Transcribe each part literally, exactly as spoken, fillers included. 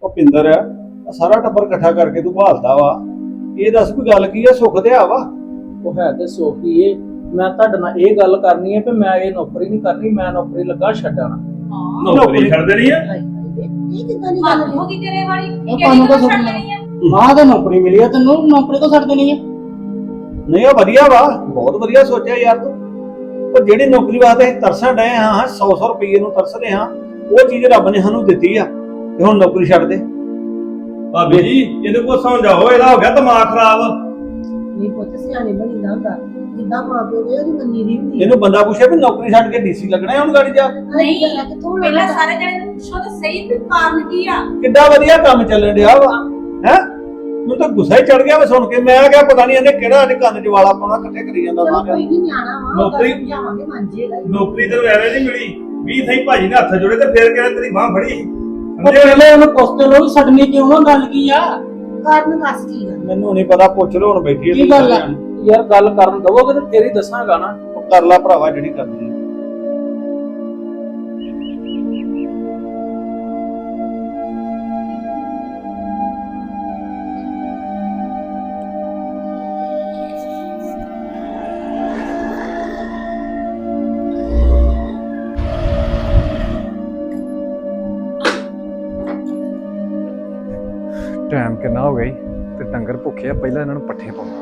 ਭੁਪਿੰਦਰ ਆ ਸਾਰਾ ਟੱਬਰ ਇਕੱਠਾ ਕਰਕੇ ਤੂੰ ਭਾਲਦਾ ਵਾ। ਇਹ ਦੱਸ ਵੀ ਗੱਲ ਕੀ ਆ? ਸੁੱਖ ਤੇ ਆ ਵਾ। ਉਹ ਹੈ ਤੇ ਸੋਖੀ ਏ। ਮੈਂ ਤੁਹਾਡੇ ਨਾਲ ਇਹ ਗੱਲ ਕਰਨੀ ਹੈ ਕਿ ਮੈਂ ਇਹ ਨੌਕਰੀ ਨਹੀਂ ਕਰਨੀ, ਮੈਂ ਨੌਕਰੀ ਲੱਗਾ ਛੱਡਣਾ। ਨੌਕਰੀ ਛੱਡ ਦੇਣੀ ਆ? ਇਹ ਕਿੱਦਾਂ ਦੀ ਮਨ ਗੱਲ ਹੋ ਗਈ ਤੇਰੇ ਵਾਲੀ ਉਹ ਕਿਹੜੀ ਤੁਹਾਨੂੰ ਤਾਂ ਗੱਲ ਸੁਣਨਾ। ਛੱਡਣੀ ਆ? ਮਾਂ ਤਾਂ ਨੌਕਰੀ ਮਿਲੀ ਆ ਤੈਨੂੰ, ਨੌਕਰੀ ਤੋਂ ਛੱਡ ਦੇਣੀ ਆ? ਨਹੀਂ ਉਹ ਵਧੀਆ ਵਾ, ਬਹੁਤ ਵਧੀਆ ਸੋਚਿਆ ਯਾਰ ਤੂੰ। ਪਰ ਜਿਹੜੀ ਨੌਕਰੀ ਵਾਸਤੇ ਅਸੀਂ ਤਰਸਣ ਡਏ ਹਾਂ ਹਾਂ ਸੌ ਸੌ ਰੁਪਏ ਨੂੰ ਤਰਸਦੇ ਹਾਂ, ਉਹ ਚੀਜ਼ ਰੱਬ ਨੇ ਸਾਨੂੰ ਦਿੱਤੀ ਆ ਤੇ ਹੁਣ ਨੌਕਰੀ ਛੱਡ ਦੇ। ਭਾਬੀ ਜੀ ਇਹਦੇ ਕੋਲ ਸਮਝਾਓ, ਇਹਦਾ ਹੋ ਗਿਆ ਦਿਮਾਗ ਖਰਾਬ। ਨਹੀਂ ਪੁੱਤ ਸਿਆਣੇ ਬਣੀ ਦਾ ਹੁੰਦਾ, ਜਿੱਦਾਂ ਮਾਂ ਪਿਓ ਦੇ ਉਹਦੀ ਮੰਨੀ ਦੀ ਹੁੰਦੀ ਇਹਨੂੰ ਬੰਦਾ ਪੁੱਛੇ ਵੀ ਨੌਕਰੀ ਛੱਡ ਕੇ ਡੀਸੀ ਲੱਗਣਾ ਹੈ ਹੁਣ ਗਾੜੀ ਜਾ ਕੇ? ਨਹੀਂ ਕਿੱਥੋਂ ਪਹਿਲਾਂ ਸਾਰੇ ਜਣੇ ਨੂੰ ਪੁੱਛੋ ਤਾਂ ਸਹੀ ਵੀ ਕਾਰਨ ਕੀ ਆ। ਕਿੱਡਾ ਵਧੀਆ ਕੰਮ ਚੱਲਣ ਡਿਆ ਵਾ ਹੈ। ਮੈਨੂੰ ਤਾਂ ਗੁੱਸਾ ਹੀ ਚੜ ਗਿਆ ਵਾ ਸੁਣ ਕੇ। ਮੈਂ ਕਿਹਾ ਪਤਾ ਨਹੀਂ ਇਹਨੇ ਕਿਹੜਾ ਅੱਜ ਕੰਨ 'ਚ ਵਾਲਾ ਪਾਉਣਾ, ਇਕੱਠੇ ਕਰੀ ਜਾਂਦਾ ਚਲੋ ਸਾਰਿਆਂ ਕੋਈ ਨਹੀਂ ਨਿਆਣਾ ਵਾ ਨੌਕਰੀ- ਸਮਝਾਵਾਂਗੇ ਮੰਨ ਜੇਗਾ। ਨੌਕਰੀ ਤੈਨੂੰ ਐਵੇਂ ਨਹੀਂ ਮਿਲੀ ਵੀ ਸਹੀ ਭਾਜੀ ਨੇ ਹੱਥ ਜੋੜੇ ਤੇ ਫੇਰ ਕਹਿੰਦਾ ਤੇਰੀ ਬਾਹ ਫੜੀ। ਉਹ ਪਹਿਲੇ ਉਹਨੂੰ ਪੁੱਛਦੇ ਲੋ ਛੱਡਣੀ ਕਿਉਂ ਆ, ਗੱਲ ਕੀ ਆ? ਕਾਰਨ ਦੱਸ ਕੀ ਗੱਲ? ਮੈਨੂੰ ਨਹੀਂ ਪਤਾ, ਪੁੱਛ ਲਓ ਹੁਣ ਬੈਠੀ ਕੀ ਗੱਲ ਆ? ਯਾਰ ਗੱਲ ਕਰਨ ਦਵੋਗੇ ਤੇ ਫੇਰ ਹੀ ਦੱਸਾਂਗਾ ਨਾ। ਉਹ ਕਰ ਲੈ ਭਰਾਵਾ ਜਿਹੜੀ ਕਰਨੀ ਹੈ। ਟਾਈਮ ਕਿੰਨਾ ਹੋ ਗਿਆ ਈ ਤੇ ਡੰਗਰ ਭੁੱਖੇ ਆ। ਪਹਿਲਾਂ ਇਹਨਾਂ ਨੂੰ ਪੱਠੇ ਪਾਉਣਾ।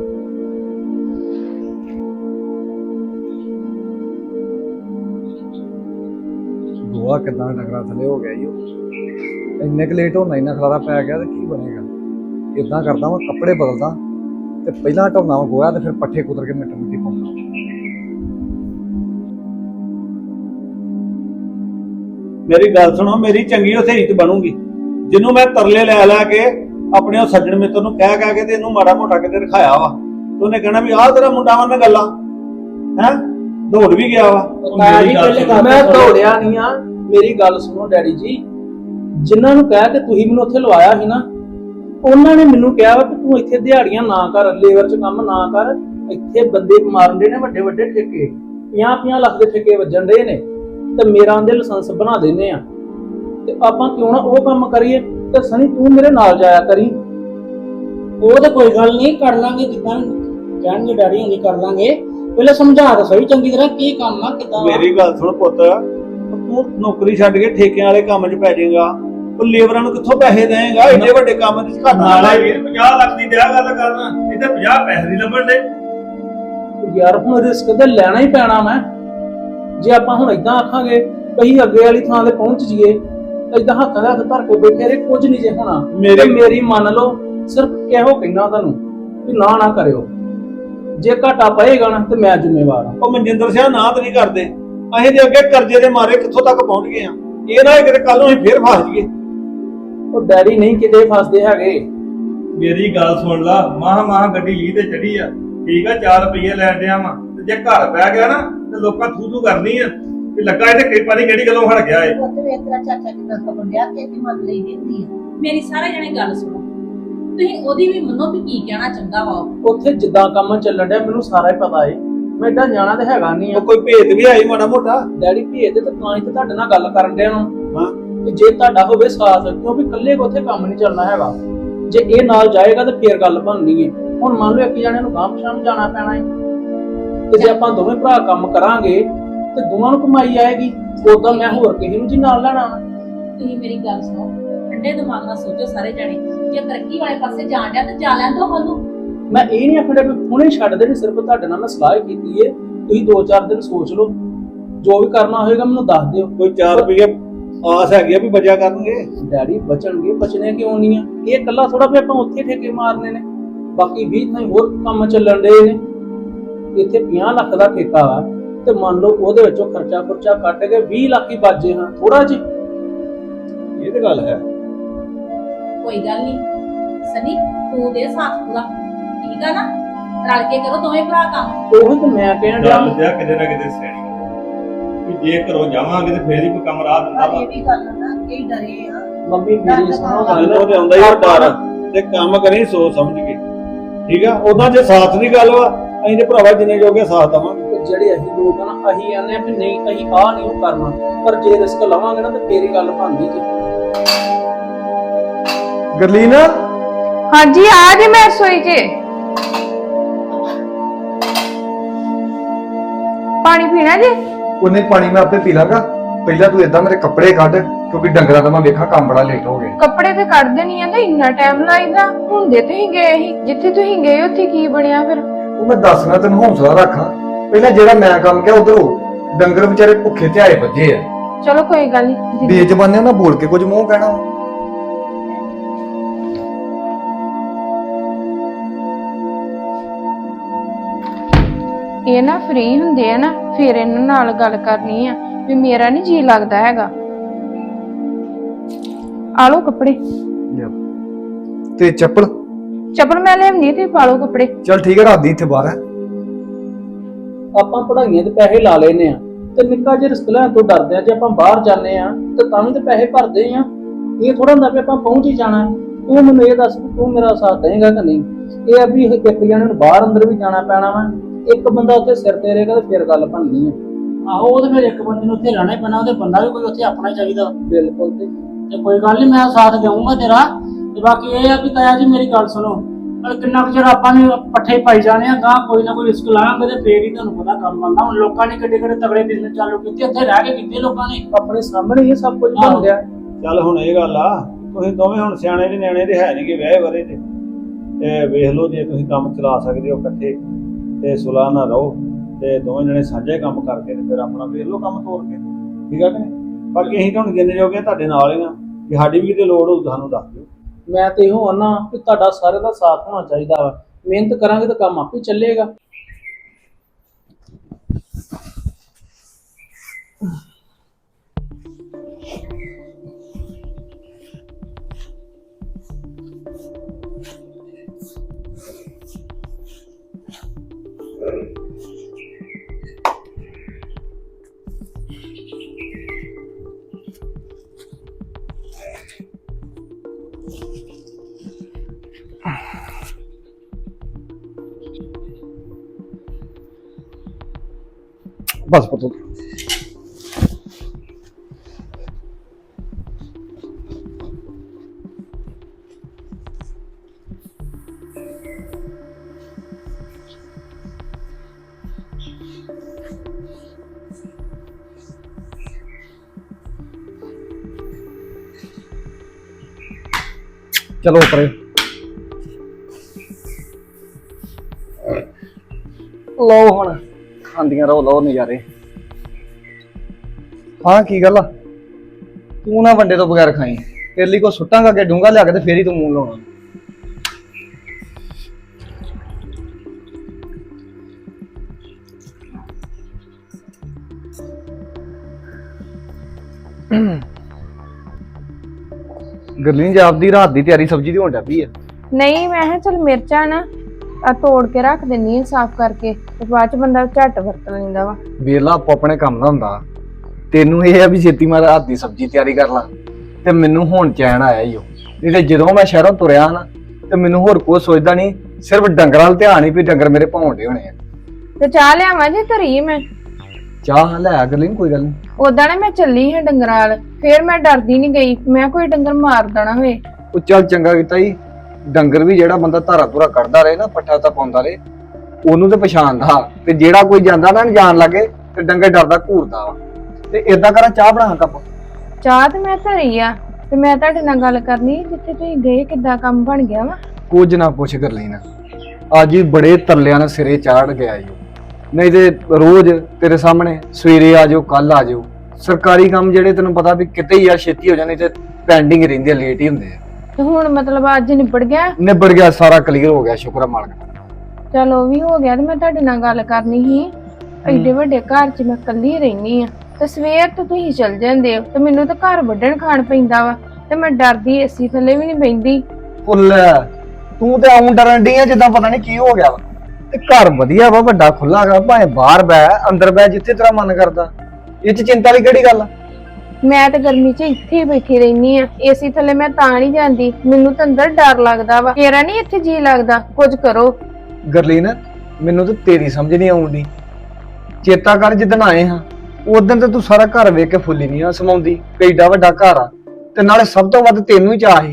ਗੋਆ ਕਿਦਾਂ ਡੰਗਰਾਂ ਥੱਲੇ ਹੋ ਗਿਆ ਈ ਉਹ। ਇੰਨੇ ਕੁ ਲੇਟ ਹੋਣਾ, ਇੰਨਾ ਖਲਾਰਾ ਪੈ ਗਿਆ ਤੇ ਕੀ ਬਣੇਗਾ। ਇਦਾਂ ਕਰਦਾ ਮੈਂ ਕੱਪੜੇ ਬਦਲਦਾ ਤੇ ਪਹਿਲਾਂ ਢੋਣਾ ਵਾ ਗੋਆ ਤੇ ਫਿਰ ਪੱਠੇ ਕੁਤਰ ਕੇ ਮਿੱਟੀ ਮਿੱਟੀ ਪਾਉਂਦਾ। ਮੇਰੀ ਗੱਲ ਸੁਣੋ, ਮੇਰੀ ਚੰਗੀ ਉੱਥੇ ਇੱਜ਼ਤ ਬਣੂਗੀ ਜਿਹਨੂੰ ਮੈਂ ਤਰਲੇ ਲੈ ਲੈ ਕੇ ਆਪਣੇ ਉਹ ਸੱਜਣ ਮਿੱਤਰ ਨੂੰ ਕਹਿ ਕਹਿ ਕੇ ਤੇ ਇਹਨੂੰ ਮਾੜਾ ਮੋਟਾ ਕਿਤੇ ਰਖਾਇਆ ਵਾ ਤੇ ਉਹਨੇ ਕਹਿਣਾ ਵੀ ਆਹ ਤੇਰਾ ਮੁੰਡਾ ਵਾ ਨਾ ਗੱਲਾਂ ਹੈ। ਦੌੜ ਵੀ ਗਿਆ ਵਾ। ਮੈਂ ਜੀ ਪਹਿਲੇ ਗੱਲ ਮੈਂ ਦੌੜਿਆ ਨਹੀਂ ਆ। ਮੇਰੀ ਗੱਲ ਸੁਣੋ ਡੈਡੀ ਜੀ, ਜਿਨ੍ਹਾਂ ਨੂੰ ਕਹਿ ਕੇ ਤੁਸੀਂ ਮੈਨੂੰ ਉੱਥੇ ਲਵਾਇਆ ਸੀ ਨਾ, ਉਹਨਾਂ ਨੇ ਮੈਨੂੰ ਕਿਹਾ ਵਾ ਕਿ ਤੂੰ ਇੱਥੇ ਦਿਹਾੜੀਆਂ ਨਾ ਕਰ, ਲੇਬਰ 'ਚ ਕੰਮ ਨਾ ਕਰ। ਇੱਥੇ ਬੰਦੇ ਮਾਰਨ ਦੇ ਨੇ ਵੱਡੇ ਵੱਡੇ ਠੇਕੇ, ਪੰਜਾਹ ਪੰਜਾਹ ਲੱਖ ਦੇ ਠੇਕੇ ਵੱਜਣ ਦੇ ਨੇ ਤੇ ਮੇਰਾ ਉਹਦੇ ਲਾਇਸੈਂਸ ਬਣਾ ਦੇਣੇ ਆ ਤੇ ਆਪਾਂ ਕਿਉਂ ਨਾ ਉਹ ਕੰਮ ਕਰੀਏ। ਤੇ ਸਨੀ ਤੂੰ ਮੇਰੇ ਨਾਲ ਜਾਇਆ ਕਰੀ। ਉਹ ਤਾਂ ਕੋਈ ਗੱਲ ਨਹੀਂ, ਕਰ ਲਾਂਗੇ ਜਿੱਦਾਂ ਕਹਿਣਗੇ ਡੈਡੀ ਹੁਣੀ ਕਰ ਲਾਂਗੇ। ਪਹਿਲੇ ਸਮਝਾ ਤਾਂ ਸਹੀ ਚੰਗੀ ਤਰ੍ਹਾਂ ਕੀ ਕੰਮ ਆ ਕਿਦਾਂ। ਮੇਰੀ ਗੱਲ ਸੁਣ ਪੁੱਤ, ਤੂੰ ਨੌਕਰੀ ਛੱਡ ਕੇ ਠੇਕਿਆਂ ਵਾਲੇ ਕੰਮ 'ਚ ਪੈ ਜਾਏਗਾ। ਉਹ ਲੇਬਰਾਂ ਨੂੰ ਕਿੱਥੋਂ ਪੈਸੇ ਦੇਏਗਾ? ਏਡੇ ਵੱਡੇ ਕੰਮ 'ਚ ਘੱਟ ਨਾ ਨਾਲੇ ਵੀਰ ਪੰਜਾਹ ਲੱਖ ਦੀ ਦਿਆ ਗੱਲ ਕਰਨਾ, ਇੱਥੇ ਪੰਜਾਹ ਪੈਸੇ ਨਹੀਂ ਲੱਭਣ ਦੇ। ਯਾਰ ਹੁਣ ਰਿਸਕ ਤੇ ਲੈਣਾ ਹੀ ਪੈਣਾ। ਮੈਂ ਜੇ ਆਪਾਂ ਹੁਣ ਇਦਾਂ ਆਖਾਂਗੇ ਕਹੀਂ ਅੱਗੇ ਵਾਲੀ ਥਾਂ ਤੇ ਪਹੁੰਚ ਜੀਏ, ਇਦਾਂ ਹੱਥਾਂ ਦੇ ਹੱਥ ਧਰ ਕੇ ਬੈਠੇ ਰਹੇ, ਕੁਝ ਨਹੀਂ ਜੇ ਹੋਣਾ। ਮੇਰੀ ਮੇਰੀ ਮੰਨ ਲਓ, ਸਿਰਫ ਇਹੋ ਕਹਿਣਾ ਤੁਹਾਨੂੰ ਕਿ ਨਾ ਨਾ ਕਰਿਓ। ਜੇ ਘਾਟਾ ਪਏਗਾ ਨਾ ਤੇ ਮੈਂ ਜ਼ਿੰਮੇਵਾਰ ਹਾਂ। ਉਹ ਮਨਜਿੰਦਰ ਸਿੰਘ ਨਾ ਤਾਂ ਨਹੀਂ ਕਰਦੇ। ਅਸੀਂ ਦੇ ਅੱਗੇ ਕਰਜ਼ੇ ਦੇ ਮਾਰੇ ਕਿੱਥੋਂ ਤੱਕ ਪਹੁੰਚ ਗਏ ਆ। ਇਹ ਨਾ ਕਿਤੇ ਕੱਲ ਨੂੰ ਅਸੀਂ ਫੇਰ ਫਸ ਜਾਈਏ। ਉਹ ਡੈਡੀ ਨਹੀਂ ਕਿਤੇ ਫਸਦੇ ਹੈਗੇ। ਮੇਰੀ ਗੱਲ ਸੁਣ ਲਾ, ਮਾਹ ਮਾਹ ਗੱਡੀ ਲੀ ਤੇ ਚੜੀ ਆ, ਠੀਕ ਆ, ਚਾਰ ਰੁਪਏ ਲੈਣ ਡਿਆ ਵਾ ਤੇ ਜੇ ਘਰ ਬਹਿ ਗਿਆ ਨਾ ਤੇ ਲੋਕਾਂ ਥੂ ਥੂ ਕਰਨੀ ਆ ਵੀ ਲੱਗਾ ਇਹ ਤੇ ਕਿਰਪਾ ਨਹੀਂ ਕਿਹੜੀ ਗੱਲੋਂ ਹਟ ਗਿਆ ਏ। ਪੁੱਤ ਵੇ ਤੇਰਾ ਚਾਚਾ ਕਿੰਨਾ ਖਬਰ ਡਿਆ ਕਿ ਇਹਦੀ ਮੰਨ ਲਈ ਦੀ ਹੁੰਦੀ ਆ। ਮੇਰੀ ਸਾਰੇ ਜਣੇ ਗੱਲ ਸੁਣੋ, ਤੁਸੀਂ ਉਹਦੀ ਵੀ ਮੰਨੋ ਵੀ ਕੀ ਕਹਿਣਾ ਚਾਹੁੰਦਾ ਵਾ ਉਹ। ਉੱਥੇ ਜਿੱਦਾਂ ਕੰਮ ਚੱਲਣ ਡਿਆ ਮੈਨੂੰ ਸਾਰਾ ਹੀ ਪਤਾ ਏ। ਮੈਂ ਏਦਾਂ ਜਾਣਾ ਤੇ ਹੈਗਾ ਨਹੀਂ ਆ। ਉਹ ਕੋਈ ਭੇਦ ਵੀ ਆਈ ਮਾੜਾ ਮੋਟਾ। ਡੈਡੀ ਭੇਜਦੇ ਤਾਂ ਤਾਂ ਹੀ ਤੇ ਤੁਹਾਡੇ ਨਾਲ ਗੱਲ ਕਰਨ ਡਿਆ ਹਾਂ ਹਾਂ ਕਿ ਜੇ ਤੁਹਾਡਾ ਹੋਵੇ ਸਾਥ, ਕਿਉਂਕਿ ਇਕੱਲੇ ਕੋ ਉੱਥੇ ਕੰਮ ਨਹੀਂ ਚੱਲਣਾ ਹੈਗਾ। ਜੇ ਇਹ ਨਾਲ ਜਾਏਗਾ ਤਾਂ ਫੇਰ ਗੱਲ ਬਣਨੀ ਹੈ। ਹੁਣ ਮੰਨ ਲਓ ਇੱਕ ਜਣੇ ਨੂੰ ਗਾਂਹ ਪਛਾਣ ਨੂੰ ਜਾਣਾ ਪੈਣਾ ਹੈ ਤੇ ਜੇ ਆਪਾਂ ਦੋਵੇਂ ਭਰਾ ਕੰਮ ਕਰਾਂਗੇ ਤੇ ਦੋਵਾਂ ਨੂੰ ਕਮਾਈ ਆਏਗੀ। ਉਦਾਂ ਮੈਂ ਹੋਰ ਕਿਸੇ ਨੂੰ ਜੀ ਨਾਲ ਲੈਣਾ ਵਾ। ਤੁਸੀਂ ਮੇਰੀ ਗੱਲ ਸੁਣੋ, ਠੰਡੇ ਦਿਮਾਗ ਨਾਲ ਸੋਚੋ ਸਾਰੇ ਜਣੇ। ਜੇ ਤਰੱਕੀ ਵਾਲੇ ਪਾਸੇ ਜਾਣ ਡਿਆ ਤਾਂ ਜਾ ਲੈਣ ਦੋ ਉਹਨੂੰ। ਮੈਂ ਇਹ ਨਹੀਂ ਆਖਣਾ ਵੀ ਹੁਣੇ ਛੱਡ ਦੇਣੀ, ਸਿਰਫ ਤੁਹਾਡੇ ਨਾਲ ਮੈਂ ਸਲਾਹ ਹੀ ਕੀਤੀ ਏ। ਤੁਸੀਂ ਦੋ ਚਾਰ ਦਿਨ ਸੋਚ ਲਓ, ਜੋ ਵੀ ਕਰਨਾ ਹੋਏਗਾ ਮੈਨੂੰ ਦੱਸ ਦਿਓ। ਕੋਈ ਚਾਰ ਰੁਪਏ ਆਸ ਹੈਗੀ ਆ ਵੀ ਬਚਿਆ ਕਰਨਗੇ। ਡੈਡੀ ਬਚਣਗੇ, ਬਚਣੇ ਕਿਉਂ ਨਹੀਂ ਆ? ਇਹ ਇਕੱਲਾ ਥੋੜਾ ਵੀ ਆਪਾਂ ਉੱਥੇ ਠੇਕੇ ਮਾਰਨੇ ਨੇ, ਬਾਕੀ ਵੀਹ ਥਾਂ ਹੋਰ ਕੰਮ ਚੱਲਣ ਦੇ ਨੇ। ਇੱਥੇ ਪੰਜਾਹ ਲੱਖ ਦਾ ਠੇਕਾ ਵਾ ਤੇ ਮੰਨ ਲਓ ਉਹਦੇ ਵਿੱਚੋਂ ਖਰਚਾ ਖਰਚਾ ਕੱਟ ਕੇ ਵੀਹ ਲੱਖ ਹੀ ਬਾਜੇ ਹਾਂ, ਥੋੜਾ ਜਿਹਾ। ਇਹ ਤੇ ਗੱਲ ਹੈ। ਕੋਈ ਗੱਲ ਨਹੀਂ ਸਨੀ, ਤੂੰ ਦੇ ਸਾਥ ਪੂਰਾ, ਠੀਕ ਆ ਨਾ? ਰਲ ਕੇ ਕਰੋ ਦੋਵੇਂ ਭਰਾ ਕੰਮ। ਉਹੀ ਤਾਂ ਮੈਂ ਕਹਿਣ ਡਿਆ। ਗੱਲ ਤੇ ਆ ਕਿਤੇ ਨਾ ਕਿਤੇ ਸਿਆਣੀ ਵੀ ਜੇ ਘਰੋਂ ਜਾਵਾਂਗੇ ਤੇ ਫੇਰ ਹੀ ਕੋਈ ਕੰਮ ਰਾਹ ਦਿੰਦਾ ਪਰ ਵਾ। ਇਹ ਵੀ ਗੱਲ ਨਾ ਕਈ ਡਰੇ ਆ। ਮੰਮੀ ਮੇਰੀ ਸੁਣੋ ਗੱਲ। ਮੈਨੂੰ ਤੇ ਆਉਂਦਾ ਹੀ ਆ ਡਰ ਤੇ ਕੰਮ ਕਰੀ ਸੋਚ ਸਮਝ ਕੇ, ਠੀਕ ਆ। ਉਦਾਂ ਜੇ ਸਾਥ ਦੀ ਗੱਲ ਵਾ, ਅਸੀਂ ਤੇ ਭਰਾਵਾ ਜਿੰਨੇ ਜੋਗੇ ਸਾਥ ਦੇਵਾਂਗੇ। ਜਿਹੜੇ ਅਸੀਂ ਲੋਕ ਆ ਨਾ, ਅਸੀਂ ਆਨੇ ਆ ਵੀ ਨਹੀਂ ਅਸੀਂ ਆਹ ਨਹੀਂ ਉਹ ਕਰਨਾ, ਪਰ ਜੇ ਰਿਸਕ ਲਵਾਂਗੇ ਨਾ ਤੇ ਫੇਰ ਹੀ ਗੱਲ ਬਣਦੀ ਜੀ। ਗਰਲੀਨ ਹਾਂਜੀ ਆ ਜੀ ਮੈਂ ਰਸੋਈ 'ਚ ਪਾਣੀ ਪੀਣਾ ਜੀ। ਉਹਨੇ ਪਾਣੀ ਮੈਂ ਆਪੇ ਪੀ ਲਾਂਗਾ। ਪਹਿਲਾਂ ਤੂੰ ਏਦਾਂ ਮੇਰੇ ਕੱਪੜੇ ਕੱਢ, ਕਿਉਂਕਿ ਡੰਗਰਾਂ ਦਾ ਮੈਂ ਵੇਖਾਂ ਕੰਮ ਬੜਾ ਲੇਟ ਹੋ ਗਿਆ। ਕੱਪੜੇ ਤੇ ਕੱਢ ਦੇਣੀ ਆ ਤੇ ਇੰਨਾ ਟਾਈਮ ਲਾਈਦਾ ਹੁੰਦੇ ਤੁਸੀਂ ਗਏ ਸੀ ਜਿੱਥੇ ਤੁਸੀਂ ਗਏ ਉੱਥੇ ਕੀ ਬਣਿਆ ਫਿਰ? ਉਹ ਮੈਂ ਦੱਸਣਾ ਤੈਨੂੰ, ਹੌਸਲਾ ਰੱਖਾਂ। ਪਹਿਲਾਂ ਜਿਹੜਾ ਮੈਂ ਕੰਮ ਕਿਹਾ ਉਧਰ ਹੋ, ਡੰਗਰ ਵਿਚਾਰੇ ਭੁੱਖੇ ਤੇ ਆਏ ਵੱਜੇ ਆ। ਚਲੋ ਕੋਈ ਗੱਲ ਨਹੀਂ। ਬੇਜ਼ਬਾਨੇ ਨਾਲ ਬੋਲ ਕੇ ਕੁਝ ਮੂੰਹ ਕਹਿਣਾ। ਇਹ ਨਾ ਫ੍ਰੀ ਹੁੰਦੇ ਆ ਨਾ, ਫਿਰ ਇਹਨਾਂ ਨਾਲ ਗੱਲ ਕਰਨੀ ਆ ਵੀ ਮੇਰਾ ਨਹੀਂ ਜੀ ਲੱਗਦਾ ਹੈਗਾ। ਆ ਲਓ ਕੱਪੜੇ। ਤੇ ਚੱਪਲ ਚੱਪਲ ਮੈਂ ਲੈਣੀ ਤੇ ਪਾ ਲਓ ਕੱਪੜੇ। ਚੱਲ ਠੀਕ ਹੈ, ਰਾਦੀ ਇੱਥੇ ਬਾਹਰ ਹੈ। ਆਪਾਂ ਪੜਾਈਆਂ ਤੇ ਪੈਸੇ ਲਾ ਲੈਨੇ ਆ ਤੇ ਨਿੱਕਾ ਜਿਹਾ ਰਿਸਕ ਲੈਣ ਤੋਂ ਡਰਦੇ ਆ। ਜੇ ਆਪਾਂ ਬਾਹਰ ਜਾਂਦੇ ਆ ਤੇ ਤਾਂ ਵੀ ਤੇ ਪੈਸੇ ਭਰਦੇ ਆ। ਇਹ ਥੋੜਾ ਹੁੰਦਾ ਵੀ ਆਪਾਂ ਪਹੁੰਚ ਹੀ ਜਾਣਾ। ਤੂੰ ਮੈਨੂੰ ਇਹ ਦੱਸ ਵੀ ਤੂੰ ਮੇਰਾ ਸਾਥ ਦੇਏਗਾ ਕਿ ਨਹੀਂ? ਇਹ ਆ ਵੀ ਇੱਕ ਜਣੇ ਨੂੰ ਬਾਹਰ ਅੰਦਰ ਵੀ ਜਾਣਾ ਪੈਣਾ ਵਾ, ਇੱਕ ਬੰਦਾ ਉੱਥੇ ਸਿਰ ਤੇ ਰਹੇਗਾ ਤੇ ਫਿਰ ਗੱਲ ਬਣਨੀ ਆ। ਆਹੋ ਉਹ ਤੇ ਫਿਰ ਇੱਕ ਬੰਦੇ ਨੂੰ ਉੱਥੇ ਰਹਿਣਾ ਹੀ ਪੈਣਾ, ਉਹਦੇ ਬੰਦਾ ਵੀ ਕੋਈ ਉੱਥੇ ਆਪਣਾ ਹੀ ਚਾਹੀਦਾ। ਬਿਲਕੁਲ। ਤੇ ਤੇ ਕੋਈ ਗੱਲ ਨਹੀਂ, ਮੈਂ ਸਾਥ ਦੇਵਾਂਗਾ ਤੇਰਾ। ਤੇ ਬਾਕੀ ਇਹ ਆ ਵੀ ਤਾਇਆ ਜੀ ਮੇਰੀ ਗੱਲ ਸੁਣੋ, ਪਰ ਕਿੰਨਾ ਕੁ ਚਿਰ ਆਪਾਂ ਨੇ ਪੱਠੇ ਪਾਈ ਜਾਣੇ ਆ, ਗਾਂ ਕੋਈ ਨਾ ਕੋਈ ਰਿਸਕ ਲਾਵਾਂਗੇ ਤੇ ਫੇਰ ਹੀ ਤੁਹਾਨੂੰ ਪਤਾ ਕੰਮ ਬਣਦਾ। ਹੁਣ ਲੋਕਾਂ ਨੇ ਕਿੱਡੇ ਕਿੱਡੇ ਤਗੜੇ ਬਿਜ਼ਨਸ ਚਾਲੂ ਕੀਤੇ, ਉੱਥੇ ਰਹਿ ਕੇ ਕੀਤੇ ਲੋਕਾਂ ਨੇ। ਆਪਣੇ ਸਾਹਮਣੇ ਹੀ ਇਹ ਸਭ ਕੁਝ ਬਣ ਗਿਆ। ਚੱਲ ਹੁਣ ਇਹ ਗੱਲ ਆ, ਤੁਸੀਂ ਦੋਵੇਂ ਹੁਣ ਸਿਆਣੇ ਦੇ ਨਿਆਣੇ ਦੇ ਹੈ ਨਹੀਂਗੇ, ਵਿਆਹੇ ਵਰੇ ਦੇ। ਤੇ ਵੇਖ ਲਓ ਜੇ ਤੁਸੀਂ ਕੰਮ ਚਲਾ ਸਕਦੇ ਹੋ ਇਕੱਠੇ ਤੇ ਸੁਲਾਹ ਨਾ ਰਹੋ, ਤੇ ਦੋਵੇਂ ਜਣੇ ਸਾਂਝੇ ਕੰਮ ਕਰਕੇ ਤੇ ਫਿਰ ਆਪਣਾ ਵੇਖ ਲਓ ਕੰਮ ਤੋਰ ਕੇ। ਠੀਕ ਆ ਕਿ ਨਹੀਂ? ਬਾਕੀ ਅਸੀਂ ਤਾਂ ਹੁਣ ਜਿੰਨੇ ਜੋਗੇ ਤੁਹਾਡੇ ਨਾਲ ਹੀ ਆ, ਜੇ ਸਾਡੀ ਵੀ ਕਿਤੇ ਲੋੜ ਹੋਊ ਤੁਹਾਨੂੰ ਦੱਸ ਦਿਓ। ਮੈਂ ਤੇ ਇਹੋ ਆਨਾ ਕਿ ਤੁਹਾਡਾ ਸਾਰੇ ਦਾ ਸਾਥ ਹੋਣਾ ਚਾਹੀਦਾ ਵਾ। ਮਿਹਨਤ ਕਰਾਂਗੇ ਤਾਂ ਕੰਮ ਆਪੇ ਚੱਲੇਗਾ। ਬਸ ਪੁੱਤ। ਚਲੋ ਪਰੇ ਲਓ, ਹੁਣ ਖਾਂਦੀਆਂ ਰਹੋ, ਲਓ ਨਜ਼ਾਰੇ। ਹਾਂ ਕੀ ਗੱਲ ਆ? ਤੂੰ ਨਾ ਵੰਡੇ ਤੋਂ ਬਗੈਰ ਖਾਈ। ਤੇਰੇ ਲਈ ਕੋ ਸੁੱਟਾਂਗਾ ਕਿ ਡੂੰਗਾ ਲਿਆ ਕੇ ਤੇ ਫੇਰ ਹੀ ਤੂੰ ਮੂੰਹ ਲਾਉਣਾ। ਗਰਲੀਨ ਜੀ ਆਪਦੀ ਰਾਤ ਦੀ ਤਿਆਰੀ ਸਬਜ਼ੀ ਦੀ ਹੋਣ ਡਿਆ ਪਈ ਆ। ਨਹੀਂ ਮੈਂ ਕਿਹਾ ਚਲ ਮਿਰਚਾਂ ਨਾ ਆ ਤੋੜ ਕੇ ਰੱਖ ਦਿੰਨੀ ਆ ਸਾਫ਼ ਕਰਕੇ, ਤੇ ਬਾਅਦ ਚ ਬੰਦਾ ਝੱਟ ਵਰਤ ਲੈਂਦਾ ਵਾ। ਵੇਲਾ ਆਪੋ ਆਪਣੇ ਕੰਮ ਦਾ ਹੁੰਦਾ। ਤੈਨੂੰ ਇਹ ਆ ਵੀ ਛੇਤੀ ਮੈਂ ਰਾਤ ਦੀ ਸਬਜ਼ੀ ਤਿਆਰੀ ਕਰ ਲਾਂ, ਤੇ ਮੈਨੂੰ ਹੁਣ ਚੈਨ ਆਇਆ ਈ ਓ। ਨਹੀਂ ਤੇ ਜਦੋਂ ਮੈਂ ਸ਼ਹਿਰੋਂ ਤੁਰਿਆ ਨਾ ਤੇ ਮੈਨੂੰ ਹੋਰ ਕੋਈ ਸੋਚਦਾ ਨਹੀਂ, ਸਿਰਫ ਡੰਗਰਾਂ ਵੱਲ ਧਿਆਨ ਹੀ ਵੀ ਡੰਗਰ ਮੇਰੇ ਭੌਂਡੇ ਹੋਣੇ ਆ। ਤੇ ਚਾਹ ਲਿਆਵਾਂ ਜੀ ਧਰੀ ਮੈਂ? ਚਾਹ ਲੈ ਆ ਗਰਲੀਨ, ਕੋਈ ਗੱਲ ਨਹੀਂ। ਉਦਾਂ ਨਾ ਮੈਂ ਚੱਲੀ ਹਾਂ ਡੰਗਰਾਂ ਵਾਲ, ਫੇਰ ਮੈਂ ਡਰਦੀ ਨਹੀਂ ਗਈ, ਮੈਂ ਕੋਈ ਡੰਗਰ ਮਾਰ ਦੇਣਾ ਹੋਏ। ਉਹ ਚੱਲ ਚੰਗਾ ਕੀਤਾ ਜੀ। ਡੰਗਰ ਵੀ ਜਿਹੜਾ ਬੰਦਾ ਧਾਰਾ ਧੁਰਾ ਕੱਢਦਾ ਰਹੇ ਨਾ, ਪੱਠਾ ਤਾਂ ਪਾਉਂਦਾ ਰਹੇ, ਉਹਨੂੰ ਤੇ ਪਛਾਣਦਾ। ਤੇ ਜਿਹੜਾ ਕੋਈ ਜਾਂਦਾ ਨਾ ਜਾਣ ਲੱਗੇ ਤੇ ਡੰਗਰ ਡਰਦਾ ਘੂਰਦਾ ਵਾ। ਤੇ ਏਦਾਂ ਕਰਾਂ, ਚਾਹ ਬਣਾ ਕੱਪ। ਚਾਹ ਤੇ ਮੈਂ ਧਰੀ ਆ, ਤੇ ਮੈਂ ਤੁਹਾਡੇ ਨਾਲ ਗੱਲ ਕਰਨੀ, ਜਿੱਥੇ ਤੁਸੀਂ ਗਏ ਕਿੱਦਾਂ ਕੰਮ ਬਣ ਗਿਆ ਵਾ? ਕੁਝ ਨਾ ਪੁੱਛ ਗਰਲੀਨ, ਅੱਜ ਹੀ ਬੜੇ ਤਰਲਿਆਂ ਨਾਲ ਸਿਰੇ ਚਾੜ ਗਿਆ ਈ। ਨਹੀਂ ਤੇ ਰੋਜ਼ ਤੇਰੇ ਸਾਹਮਣੇ ਸਵੇਰੇ ਆ ਜਾਓ, ਕੱਲ ਆ ਜਾਓ। ਸਰਕਾਰੀ ਕੰਮ ਜਿਹੜੇ ਤੈਨੂੰ ਪਤਾ ਵੀ ਕਿਤੇ ਹੀ ਆ ਛੇਤੀ ਹੋ ਜਾਣੇ, ਤੇ ਪੈਂਡਿੰਗ ਰਹਿੰਦੇ, ਲੇਟ ਹੀ ਹੁੰਦੇ ਆ। ਤੇ ਹੁਣ ਮਤਲਬ ਅੱਜ ਨਿਬੜ ਗਿਆ? ਨਿਬੜ ਗਿਆ, ਸਾਰਾ ਕਲੀਅਰ ਹੋ ਗਿਆ, ਸ਼ੁਕਰ ਆ ਮਾਲਕ ਦਾ। ਚਲੋ ਵੀ ਹੋ ਗਿਆ। ਤੇ ਮੈਂ ਤੁਹਾਡੇ ਨਾਲ ਗੱਲ ਕਰਨੀ ਸੀ, ਐਡੇ ਵੱਡੇ ਘਰ 'ਚ ਮੈਂ ਇਕੱਲੀ ਰਹਿਨੀ ਆ, ਤੇ ਸਵੇਰ ਤੋਂ ਤੁਸੀਂ ਚਲ ਜਾਂਦੇ ਹੋ, ਤੇ ਮੈਨੂੰ ਤਾਂ ਘਰ ਵੱਢਣ ਖਾਣ ਪੈਂਦਾ ਵਾ, ਤੇ ਮੈਂ ਡਰਦੀ ਏਸੀ ਥੱਲੇ ਵੀ ਨਹੀਂ ਬੈਂਦੀ। ਫੁੱਲ ਤੂੰ ਤੇ ਆਉਂ ਡਰਨ ਡਈ ਆ ਜਿੱਦਾਂ ਪਤਾ ਨਹੀਂ ਕੀ ਹੋ ਗਿਆ ਵਾ। ਤੇ ਘਰ ਵਧੀਆ ਵਾ, ਵੱਡਾ ਖੁੱਲਾ ਗਾ, ਭਾਵੇਂ ਬਾਹਰ ਬੈ ਅੰਦਰ ਬੈ, ਜਿੱਥੇ ਤੇਰਾ ਮਨ ਕਰਦਾ। ਇਹ 'ਚ ਚਿੰਤਾ ਵਾਲੀ ਕਿਹੜੀ ਗੱਲ ਆ? ਮੈਂ ਤਾਂ ਗਰਮੀ 'ਚ ਇੱਥੇ ਹੀ ਬੈਠੀ ਰਹਿਨੀ ਆ, ਏਸੀ ਥੱਲੇ ਮੈਂ ਤਾਂ ਨਹੀਂ ਜਾਂਦੀ, ਮੈਨੂੰ ਤਾਂ ਅੰਦਰ ਡਰ ਲੱਗਦਾ ਵਾ। ਮੇਰਾ ਨਹੀਂ ਇੱਥੇ ਜੀ ਲੱਗਦਾ, ਕੁਝ ਕਰੋ। ਗਰਲੀਨ ਮੈਨੂੰ ਤਾਂ ਤੇਰੀ ਸਮਝ ਨਹੀਂ ਆਉਂਦੀ। ਚੇਤਾ ਕਰ ਜਿੱਦਣ ਆਏ ਹਾਂ, ਉਦੋਂ ਤੇ ਤੂੰ ਸਾਰਾ ਘਰ ਵੇਖ ਕੇ ਫੁੱਲੀ ਨਹੀਂ ਆ ਸਮਾਉਂਦੀ, ਕਿੱਡਾ ਵੱਡਾ ਘਰ ਆ। ਤੇ ਨਾਲੇ ਸਭ ਤੋਂ ਵੱਧ ਤੈਨੂੰ ਹੀ ਚਾਹ ਸੀ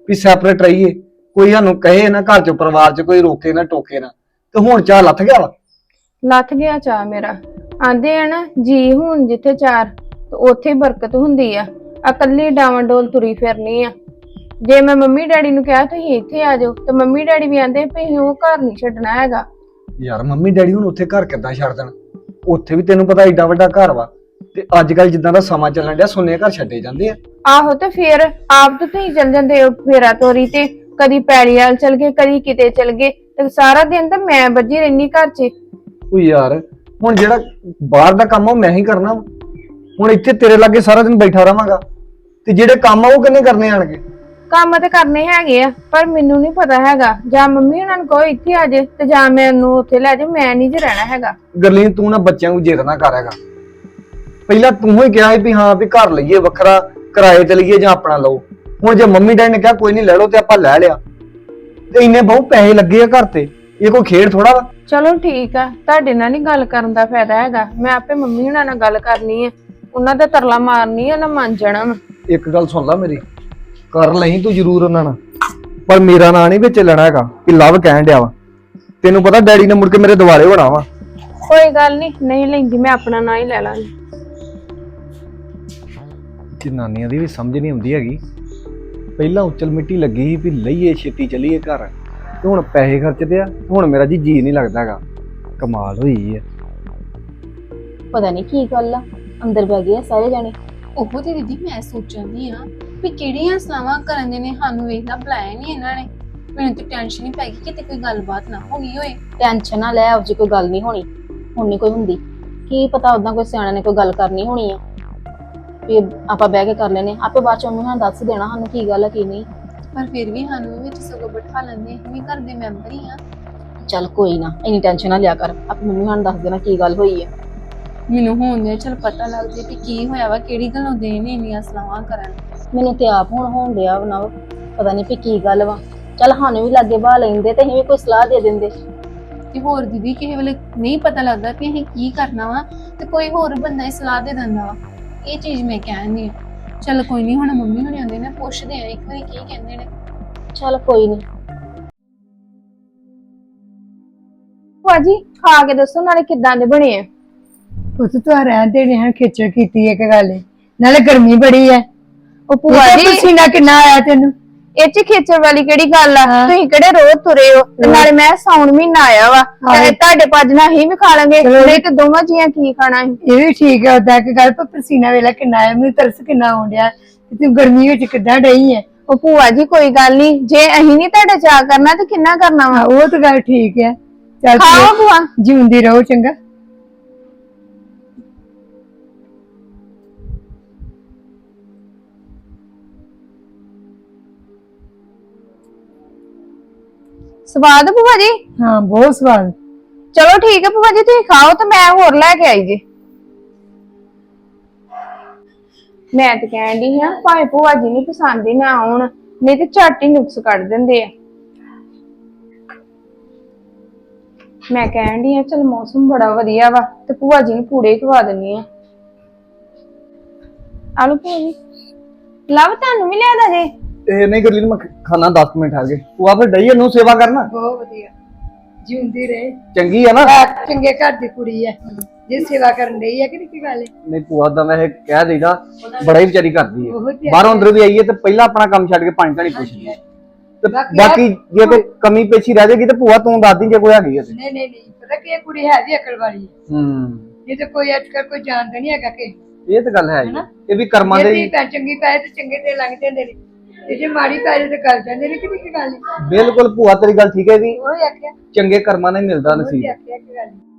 ਵੀ ਸੈਪਰੇਟ ਰਹੀਏ, ਕੋਈ ਸਾਨੂੰ ਕਹੇ ਨਾ ਘਰ ਚ ਪਰਿਵਾਰ ਚ ਕੋਈ ਰੋਕੇ ਨਾ ਟੋਕੇ ਨਾ, ਤੇ ਹੁਣ ਚਾਹ ਲੱਥ ਗਿਆ ਵਾ। ਲੱਥ ਗਿਆ ਚਾਹ ਮੇਰਾ। ਆਂਦੇ ਆ ਨਾ ਜੀ ਹੁਣ ਜਿੱਥੇ ਚਾਰ ਤੇ ਉੱਥੇ ਹੀ ਬਰਕਤ ਹੁੰਦੀ ਆ। ਇਕੱਲੀ ਡਾਵਾਂ ਡੋਲ ਤੁਰੀ ਫਿਰਨੀ ਆ। ਜੇ ਮੈਂ ਮੰਮੀ ਡੈਡੀ ਨੂੰ ਕਿਹਾ ਤੁਸੀਂ ਇੱਥੇ ਆ ਜਾਓ ਤੇ ਮੰਮੀ ਡੈਡੀ ਵੀ ਆਂਦੇ ਵੀ ਉਹ ਘਰ ਨਹੀਂ ਛੱਡਣਾ ਹੈਗਾ। ਯਾਰ ਮੰਮੀ ਡੈਡੀ ਹੁਣ ਉੱਥੇ ਘਰ ਕਿੱਦਾਂ ਛੱਡ ਦੇਣ? ਉੱਥੇ ਵੀ ਤੈਨੂੰ ਪਤਾ ਏਡਾ ਵੱਡਾ ਘਰ ਵਾ, ਤੇ ਅੱਜ ਕੱਲ ਜਿੱਦਾਂ ਦਾ ਸਮਾਂ ਚੱਲਣ ਡਿਆ ਸੁੰਨੇ ਘਰ ਛੱਡੇ ਜਾਂਦੇ ਆ। ਆਹੋ ਤੇ ਫਿਰ ਆਪ ਤਾਂ ਤੁਸੀਂ ਚੱਲ ਜਾਂਦੇ ਹੋ ਫੇਰਾ ਤੋਰੀ ਤੇ, ਕਦੀ ਪੈਲੀ ਵਾਲ ਚਲ ਗਏ ਕਦੀ ਕਿਤੇ ਚਲ ਗਏ, ਤੇ ਸਾਰਾ ਦਿਨ ਤਾਂ ਮੈਂ ਬੱਝੀ ਰਹਿਨੀ ਘਰ 'ਚ। ਉਹ ਯਾਰ ਹੁਣ ਜਿਹੜਾ ਬਾਹਰ ਦਾ ਕੰਮ ਆ ਉਹ ਮੈਂ ਹੀ ਕਰਨਾ ਵਾ। ਹੁਣ ਇੱਥੇ ਤੇਰੇ ਲਾਗੇ ਸਾਰਾ ਦਿਨ ਬੈਠਾ ਰਵਾਂਗਾ, ਤੇ ਜਿਹੜੇ ਕੰਮ ਆ ਉਹ ਕਿੰਨੇ ਕਰਨੇ ਆਣਗੇ? ਕੰਮ ਤਾਂ ਕਰਨੇ ਹੈਗੇ ਆ, ਪਰ ਮੈਨੂੰ ਨਹੀਂ ਪਤਾ ਹੈਗਾ। ਜਾਂ ਮੰਮੀ ਉਹਨਾਂ ਨੂੰ ਕਹੋ ਇੱਥੇ ਆ ਜੇ ਤੇ ਜਾਂ ਮੈਨੂੰ ਉੱਥੇ ਲੈ ਜਾ, ਮੈਂ ਨਹੀਂ ਜੇ ਰਹਿਣਾ ਹੈਗਾ। ਗਰਲੀਨ ਤੂੰ ਨਾ ਬੱਚਿਆਂ ਨੂੰ ਜਿੱਦ ਨਾ ਕਰ ਹੈਗਾ। ਪਹਿਲਾਂ ਤੂੰ ਹੀ ਕਿਹਾ ਸੀ ਵੀ ਹਾਂ ਵੀ ਘਰ ਲਈਏ ਵੱਖਰਾ, ਕਿਰਾਏ ਤੇ ਲਈਏ ਜਾਂ ਆਪਣਾ ਲਓ। ਹੁਣ ਜੇ ਮੰਮੀ ਡੈਡੀ ਨੇ ਕਿਹਾ ਕੋਈ ਨਹੀਂ ਲੈ ਲਓ ਤੇ ਆਪਾਂ ਲੈ ਲਿਆ, ਤੇ ਇੰਨੇ ਬਹੁਤ ਪੈਸੇ ਲੱਗੇ ਆ ਘਰ ਤੇ, ਇਹ ਕੋਈ ਖੇਡ ਥੋੜਾ ਵਾ। ਚਲੋ ਠੀਕ ਆ, ਤੁਹਾਡੇ ਨਾਲ ਨਹੀਂ ਗੱਲ ਕਰਨ ਦਾ ਫਾਇਦਾ ਹੈਗਾ। ਮੈਂ ਆਪੇ ਮੰਮੀ ਉਹਨਾਂ ਨਾਲ ਗੱਲ ਕਰਨੀ ਆ, ਉਹਨਾਂ ਦਾ ਤਰਲਾ ਮਾਰਨੀ ਆ, ਉਹਨਾਂ ਮੰਨ ਜਾਣਾ ਵਾ। ਇੱਕ ਗੱਲ ਸੁਣ ਲੈ ਮੇਰੀ, ਕਰ ਲਈ ਤੂੰ ਜ਼ਰੂਰ ਉਹਨਾਂ ਨਾਲ, ਪਰ ਮੇਰਾ ਨਾਂ ਨਹੀਂ ਵਿੱਚ ਲੈਣਾ ਹੈਗਾ ਕਿ ਲਵ ਕਹਿਣ ਡਿਆ ਵਾ। ਤੈਨੂੰ ਪਤਾ ਡੈਡੀ ਨੇ ਮੁੜ ਕੇ ਮੇਰੇ ਦਿਵਾਲੇ ਹੋਣਾ ਵਾ। ਕੋਈ ਗੱਲ ਨਹੀਂ, ਨਹੀਂ ਲੈਂਦੀ, ਮੈਂ ਆਪਣਾ ਨਾਂ ਹੀ ਲੈ ਲਾਂਗੀ। ਜਨਾਨੀਆਂ ਦੀ ਵੀ ਸਮਝ ਨਹੀਂ ਆਉਂਦੀ ਹੈਗੀ। ਪਹਿਲਾਂ ਉਚਲ ਮਿੱਟੀ ਲੱਗੀ ਸੀ ਵੀ ਲਈਏ ਛੇਤੀ ਚੱਲੀਏ ਘਰ, ਤੇ ਹੁਣ ਪੈਸੇ ਖਰਚਦੇ ਆ। ਹੁਣ ਮੇਰਾ ਜੀ ਜੀ ਨਹੀਂ ਲੱਗਦਾ ਹੈਗਾ। ਕਮਾਲ ਹੋਈ ਹੈ। ਪਤਾ ਨਹੀਂ ਕੀ ਗੱਲ ਆ, ਅੰਦਰ ਬਹਿ ਗਏ ਆ ਸਾਰੇ ਜਾਣੇ। ਉਹ ਤੇ ਦੀਦੀ ਮੈਂ ਸੋਚਦੀ ਆ ਵੀ ਕਿਹੜੀਆਂ ਸਲਾਵਾਂ ਕਰਨ ਦੇ ਨੇ ਸਾਨੂੰ ਵੇਖਣਾ ਬੁਲਾਇਆ ਨਹੀਂ ਇਹਨਾਂ ਨੇ। ਮੈਨੂੰ ਤੇ ਟੈਨਸ਼ਨ ਹੀ ਪੈ ਗਈ ਕਿਤੇ ਕੋਈ ਗੱਲਬਾਤ ਨਾ ਹੋ ਗਈ ਹੋਏ। ਟੈਨਸ਼ਨ ਨਾ ਲੈ, ਉਹ ਜੀ ਕੋਈ ਗੱਲ ਨਹੀਂ ਹੋਣੀ, ਹੁਣ ਨਹੀਂ ਕੋਈ ਹੁੰਦੀ। ਕੀ ਪਤਾ ਉਦਾਂ ਕੋਈ ਸਿਆਣਾ ਨੇ ਕੋਈ ਗੱਲ ਕਰਨੀ ਹੋਣੀ ਆ, ਵੀ ਆਪਾਂ ਬਹਿ ਕੇ ਕਰ ਲੈਨੇ ਆਪੇ। ਬਾਅਦ ਚ ਮੰਮੀ ਨੂੰ ਦੱਸ ਦੇਣਾ ਸਾਨੂੰ ਕੀ ਗੱਲ ਆ ਕੀ ਨਹੀਂ। ਪਰ ਫਿਰ ਵੀ ਸਾਨੂੰ ਵਿੱਚ ਸਗੋਂ ਬਿਠਾ ਲੈਂਦੇ, ਅਸੀਂ ਵੀ ਘਰ ਦੇ ਮੈਂਬਰ ਹੀ ਆ। ਚੱਲ ਕੋਈ ਨਾ, ਇੰਨੀ ਟੈਨਸ਼ਨ ਨਾ ਲਿਆ ਕਰ, ਆਪੇ ਮੰਮੀ ਨੂੰ ਦੱਸ ਦੇਣਾ ਕੀ ਗੱਲ ਹੋਈ ਹੈ। ਮੈਨੂੰ ਹੁਣ ਦੇ ਚਲ ਪਤਾ ਲੱਗ ਜੇ ਵੀ ਕੀ ਹੋਇਆ ਵਾ, ਕਿਹੜੀ ਗੱਲੋਂ ਦੇ ਨੇ ਇੰਨੀਆਂ ਸਲਾਹਾਂ ਕਰਨ। ਮੈਨੂੰ ਤੇ ਆਪ ਹੁਣ ਹੋਣ ਡਿਆ ਨਾ, ਪਤਾ ਨਹੀਂ ਵੀ ਕੀ ਗੱਲ ਵਾ। ਚੱਲ ਸਾਨੂੰ ਵੀ ਲਾਗੇ ਬਾਹ ਲੈਂਦੇ ਤੇ ਅਸੀਂ ਵੀ ਕੋਈ ਸਲਾਹ ਦੇ ਦਿੰਦੇ। ਤੇ ਹੋਰ ਦੀਦੀ ਕਿਸੇ ਵੇਲੇ ਨਹੀਂ ਪਤਾ ਲੱਗਦਾ ਵੀ ਅਸੀਂ ਕੀ ਕਰਨਾ ਵਾ, ਤੇ ਕੋਈ ਹੋਰ ਬੰਦਾ ਹੀ ਸਲਾਹ ਦੇ ਦਿੰਦਾ ਵਾ। ਇਹ ਚੀਜ਼ ਮੈਂ ਕਹਿੰਦੀ ਆ। ਚੱਲ ਕੋਈ ਨਹੀਂ, ਹੁਣ ਮੰਮੀ ਹੁਣੇ ਆਉਂਦੇ ਨੇ, ਪੁੱਛਦੇ ਆ ਇੱਕ ਵਾਰੀ ਕੀ ਕਹਿੰਦੇ ਨੇ। ਚੱਲ ਕੋਈ ਨਹੀਂ। ਭਾਜੀ ਖਾ ਕੇ ਦੱਸੋ ਨਾਲੇ ਕਿੱਦਾਂ ਦੇ ਬਣੇ ਆ। ਪੁੱਤ ਤੂੰ ਰਹਿਣ ਦੇ ਨੇ ਖੇਚਲ ਕੀਤੀ ਹੈ, ਇੱਕ ਗੱਲ ਏ, ਨਾਲੇ ਗਰਮੀ ਬੜੀ ਹੈ। ਉਹ ਭੂਆ ਜੀ ਪਸੀਨਾ ਕਿੰਨਾ ਆਇਆ ਤੈਨੂੰ? ਇਹ ਚ ਖੇਚਲ ਵਾਲੀ ਕਿਹੜੀ ਗੱਲ ਆ? ਤੁਸੀਂ ਕਿਹੜੇ ਰੋਜ਼ ਤੁਰੇ ਹੋ? ਤੇ ਨਾਲੇ ਮੈਂ ਸਾਉਣ ਮਹੀਨਾ ਆਇਆ ਵਾ, ਤੇ ਤੁਹਾਡੇ ਭੱਜ ਨਾਲ ਹੀ ਵੀ ਖਾ ਲਾਂਗੇ, ਨਹੀਂ ਤੇ ਦੋਵਾਂ ਜੀਆਂ ਕੀ ਖਾਣਾ ਸੀ। ਇਹ ਵੀ ਠੀਕ ਹੈ ਉਦਾਂ ਕਿ ਗੱਲ, ਪਰ ਪਸੀਨਾ ਵੇਲਾ ਕਿੰਨਾ ਆਇਆ, ਮੈਨੂੰ ਤਰਸ ਕਿੰਨਾ ਆਉਣ ਡਿਆ। ਤੂੰ ਗਰਮੀ ਵਿੱਚ ਕਿੱਦਾਂ ਡਈ ਹੈ? ਉਹ ਭੂਆ ਜੀ ਕੋਈ ਗੱਲ ਨਹੀਂ, ਜੇ ਅਸੀਂ ਨਹੀਂ ਤੁਹਾਡਾ ਚਾਅ ਕਰਨਾ ਤੇ ਕਿੰਨਾ ਕਰਨਾ ਵਾ। ਉਹ ਤਾਂ ਗੱਲ ਠੀਕ ਹੈ। ਚੱਲ ਖਾਓ ਭੂਆ, ਜਿਉਂਦੀ ਰਹੋ, ਚੰਗਾ। ਸਵਾਦ ਭੂਆ ਜੀ? ਹਾਂ ਬਹੁਤ ਸਵਾਦ। ਚਲੋ ਠੀਕ ਹੈ ਭੂਆ ਜੀ, ਤੁਸੀਂ ਖਾਓ ਤੇ ਮੈਂ ਹੋਰ ਲੈ ਕੇ ਆਈ ਜੀ। ਮੈਂ ਤੇ ਕਹਿਣ ਦੀ ਹਾਂ ਭਾਵੇਂ ਭੂਆ ਜੀ ਨਹੀਂ ਪਸੰਦ ਹੀ ਨਾ ਆਉਣ, ਨਹੀਂ ਤੇ ਝੱਟ ਹੀ ਨੁਕਸ ਕੱਢ ਦਿੰਦੇ ਆ। ਮੈਂ ਕਹਿਣ ਦੀ ਹਾਂ ਚਲ ਮੌਸਮ ਬੜਾ ਵਧੀਆ ਵਾ ਤੇ ਭੂਆ ਜੀ ਨੂੰ ਪੂੜੇ ਖਵਾ ਦਿੰਨੀ ਆ। ਆਲੂ ਭੂਆ ਜੀ ਲਵ ਤੁਹਾਨੂੰ ਵੀ ਲਿਆਦਾ ਜੇ? ਇਹ ਨਹੀਂ ਗਰਲੀਨ, ਮੈਂ ਖਾਣਾ ਦਸ ਮਿੰਟ ਆ ਗਏ। ਤੂੰ ਆ ਫਿਰ ਡਈ ਨੂੰ ਸੇਵਾ ਕਰਨਾ। ਬਹੁਤ ਵਧੀਆ, ਜਿਉਂਦੀ ਰਹੇ। ਚੰਗੀ ਆ ਨਾ, ਚੰਗੇ ਘਰ ਦੀ ਕੁੜੀ ਹੈ, ਜੇ ਸੇਵਾ ਕਰਨ ਡਈ ਹੈ ਕਿ ਕੀ ਗੱਲ ਹੈ। ਨਹੀਂ ਭੂਆ ਦਾ ਵੈਸੇ ਕਹਿ ਦੇਈਦਾ, ਬੜਾ ਹੀ ਵਿਚਾਰੀ ਕਰਦੀ ਹੈ। ਬਹੁਤ ਹੀ ਬਾਹਰੋਂ ਅੰਦਰ ਵੀ ਆਈਏ ਤੇ ਪਹਿਲਾਂ ਆਪਣਾ ਕੰਮ ਛੱਡ ਕੇ ਪਾਣੀ ਧਾਣੀ ਪੁੱਛਦੀ ਹੈ। ਤੇ ਬਾਕੀ ਜੇ ਕੋਈ ਕਮੀ ਪੇਸ਼ੀ ਰਹਿ ਜਾਏਗੀ ਤੇ ਭੂਆ ਤੂੰ ਦੱਸ ਦੀ ਜੇ ਕੋਈ ਹੈਗੀ ਹੈ ਤੇ। ਨਹੀਂ ਨਹੀਂ ਨਹੀਂ, ਪਤਾ ਕੀ ਕੁੜੀ ਹੈ ਵੀ ਅਕਲ ਵਾਲੀ ਹੈ। ਹੂੰ, ਇਹ ਤਾਂ ਕੋਈ ਅੱਜ ਕੱਲ ਕੋਈ ਜਾਣਦਾ ਨਹੀਂ ਹੈਗਾ ਕਿ ਇਹ ਤਾਂ ਗੱਲ ਹੈ ਜੀ। ਇਹ ਵੀ ਕਰਮਾਂ ਦੇ ਜੇ ਪੈ ਚੰਗੀ ਪੈ ਤੇ ਚੰਗੇ ਤੇ ਲੰਘ ਜਾਂਦੇ ਨੇ, ਤੇ ਜੇ ਮਾੜੀ ਪੈ ਤੇ ਗੱਲ ਜਾਂਦੇ ਨੇ। ਕਿਹੜੀ ਕੀ ਗੱਲ ਹੈ? ਬਿਲਕੁਲ ਭੂਆ ਤੇਰੀ ਗੱਲ ਠੀਕ ਹੈ ਵੀ ਉਹ ਆਖਿਆ ਚੰਗੇ ਕਰਮਾਂ ਨਾਲ ਹੀ ਮਿਲਦਾ ਉਹ ਨਸੀਬ। ਆਖਿਆ ਕੀ ਗੱਲ